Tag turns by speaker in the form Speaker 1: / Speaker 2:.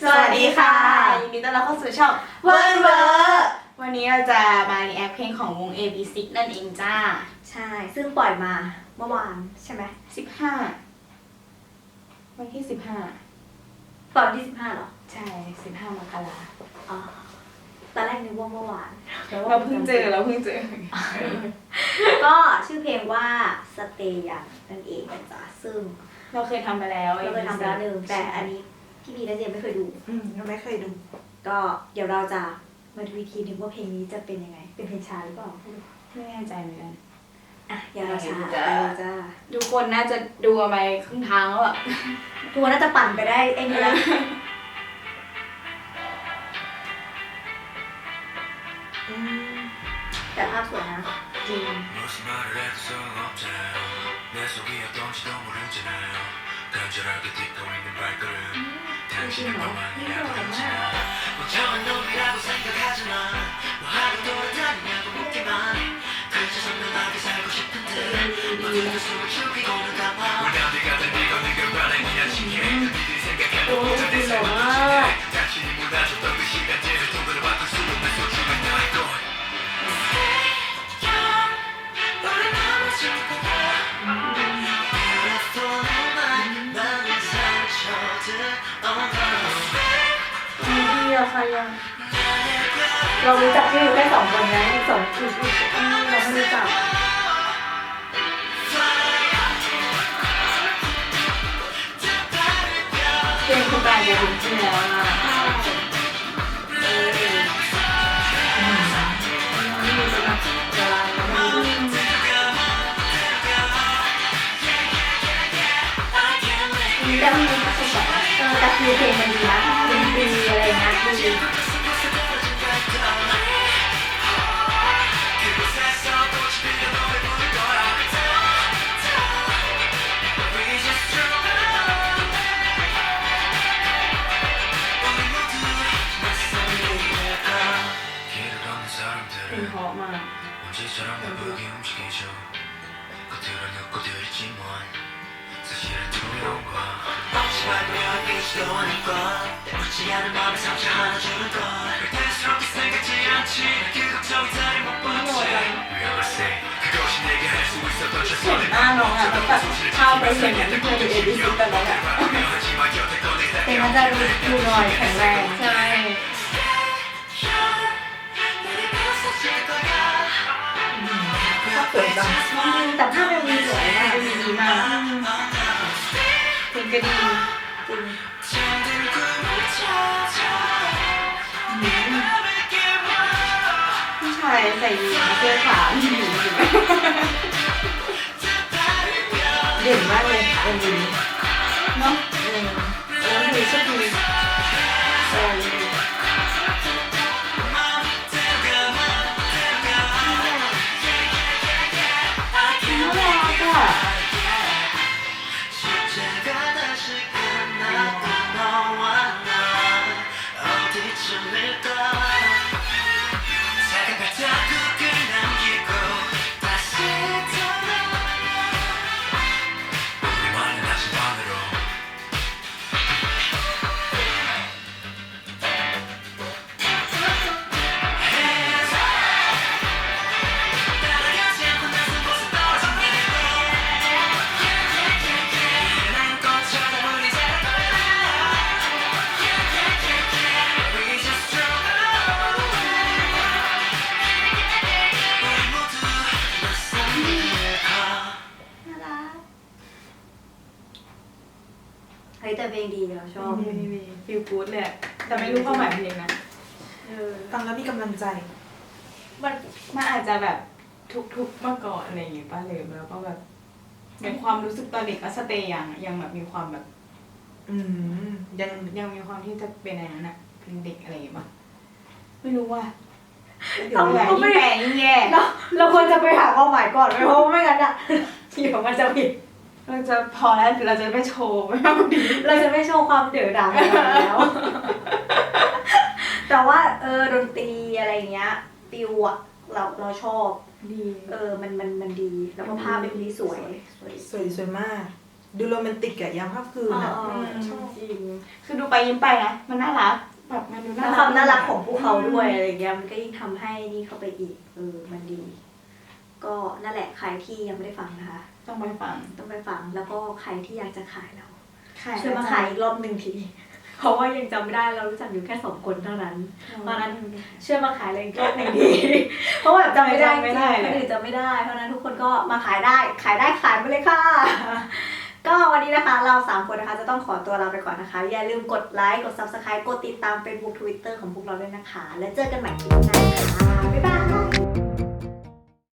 Speaker 1: สวัสดีค่ะยินดีต้อนรับเข้าสู่ช่องเวิร์นเวอร์วันนี้เราจะมารีแอคเพลงของวง AB6 นั่นเองจ้า
Speaker 2: ใช่ซึ่งปล่อยมาเมื่อวานใช่ไหม
Speaker 1: 15วันที่
Speaker 2: ปล่อยวันที่15เหรอ
Speaker 1: ใช่15 มกราคม
Speaker 2: อ๋อตอนแรกนึกว่าเมื่อวาน
Speaker 1: เราเพิ่งเจอ
Speaker 2: ก็ชื่อเพลงว่าสเตยันนั่นเองนะจ๊ะซึ่ง
Speaker 1: เราเคยทำไปแล้ว
Speaker 2: หนึ่งแต่อันนี้พี่พีและเจมไม่เคยดู
Speaker 3: เราไม่เคยดู
Speaker 2: ก็เดี๋ยวเราจะมาดูอีกทีนึงว่าเพลงนี้จะเป็นยังไงเป็นเพลงช้าหรือเปล่า
Speaker 1: ไม่แน่ใจเหมือนกัน
Speaker 2: อย่าเราช้าจ้า
Speaker 1: ทุกคนน่าจะดูอะไรครึ่งทางแล้วอะ
Speaker 2: ทุกคนน่าจะปั่นไปได้เองแล้วแต่ภาพสวยนะ
Speaker 1: จริง
Speaker 2: เรารู้จักชื่อแค่2 คนนะอีก2คือเราไม่รู้จัก
Speaker 1: เพลงคุณตาจะถึงที่แล้วนะ
Speaker 2: แต่คือเพลงมันดีนะดีอะไรนะดี
Speaker 1: เพลงเพราะมากเห็นหน้าน้องอ่ะแล้วแบบเข้าไปเห็นอย่างที่เพื่อนดู AB6 แต่น้องอ่ะ
Speaker 2: เพลงมันจะดูหน่อยแข็งแรง
Speaker 1: ใช่
Speaker 3: ภาพสวยจัง
Speaker 2: แต่ภาพมันมีสวยมาก
Speaker 1: ดีมากเพลงก็ดี
Speaker 2: จริง
Speaker 1: ผู้ชายใส่ยีนเสื้อขาว
Speaker 3: เด่นมากเลย
Speaker 1: เนาะ
Speaker 3: แล้วมีชุดดี
Speaker 2: แต่เพลงดีเราชอบ
Speaker 1: ฟีลกู๊ดเลยแต่ไม่รู้ความหมายเพลงนะ
Speaker 3: ฟังแล้วมีกำลังใจ
Speaker 1: มันอาจจะแบบทุกเมื่อก่อนอะไรอย่างเงี้ยป่ะเลยแล้วก็แบบในความรู้สึกตอนเด็กก็สเตย์ยังแบบมีความแบบยังมีความที่จะเป็นอะไรนั้นอะเพลงเด็กอะไรอย่างเงี้ยป่ะไม่รู้ว่า
Speaker 2: เราไม่แปลงแย่เราควรจะไปหาความหมายก่อนเพราะไม่งั้นอะเดี๋ยวมันจะผิด
Speaker 1: เราจะพอแล้วเราจะไม่โชว์ไม่มากดี
Speaker 2: เราจะไม่โชว์ความเดือดดาลแล้วแต่ว่าดนตรีอะไรเงี้ยฟิวอะเราชอบ
Speaker 1: ดี
Speaker 2: มันดีแล้วก็ภาพเป็นที่สวย
Speaker 3: มาก ดูโรแมนติกอะยามค่ำคืนอะ
Speaker 1: ชอบจริงคือดูไปยิ้มไปนะมันน่ารักแบบมันดูน่า
Speaker 2: แล้ว
Speaker 1: รัก
Speaker 2: ความน่ารักของพวกเขาด้วยอะไรเงี้ยมันก็ยิ่งทำให้นี่เข้าไปอีกมันดี ก็นั่นแหละใครที่ยังไม่ได้ฟังนะคะ
Speaker 1: ต้องไปฟัง
Speaker 2: ต้องไปฟังแล้วก็ใครที่อยากจะขายเรา
Speaker 1: ขาย
Speaker 2: ช่วยมาขายอีกรอบหนึ่งทีเพราะว่ายังจำไม่ได้เรารู้จักอยู่แค่2 คนเท่านั้นเพราะนั้นช่วยมาขายเลยอีกรอบหนึ่งทีเพราะว่าแบบจำไม่ได้จริงๆคนอื่นจำไม่ได้เพราะนั้นทุกคนก็มาขายได้ขายไปเลยค่ะ ก็วันนี้นะคะเรา3 คนนะคะจะต้องขอตัวลาไปก่อนนะคะอย่าลืมกดไลค์กด Subscribe กดติดตาม Facebook Twitter ของพวกเราด้วยนะคะแล้วเจอกันใหม่คลิปหน้าค่ะบ๊ายบาย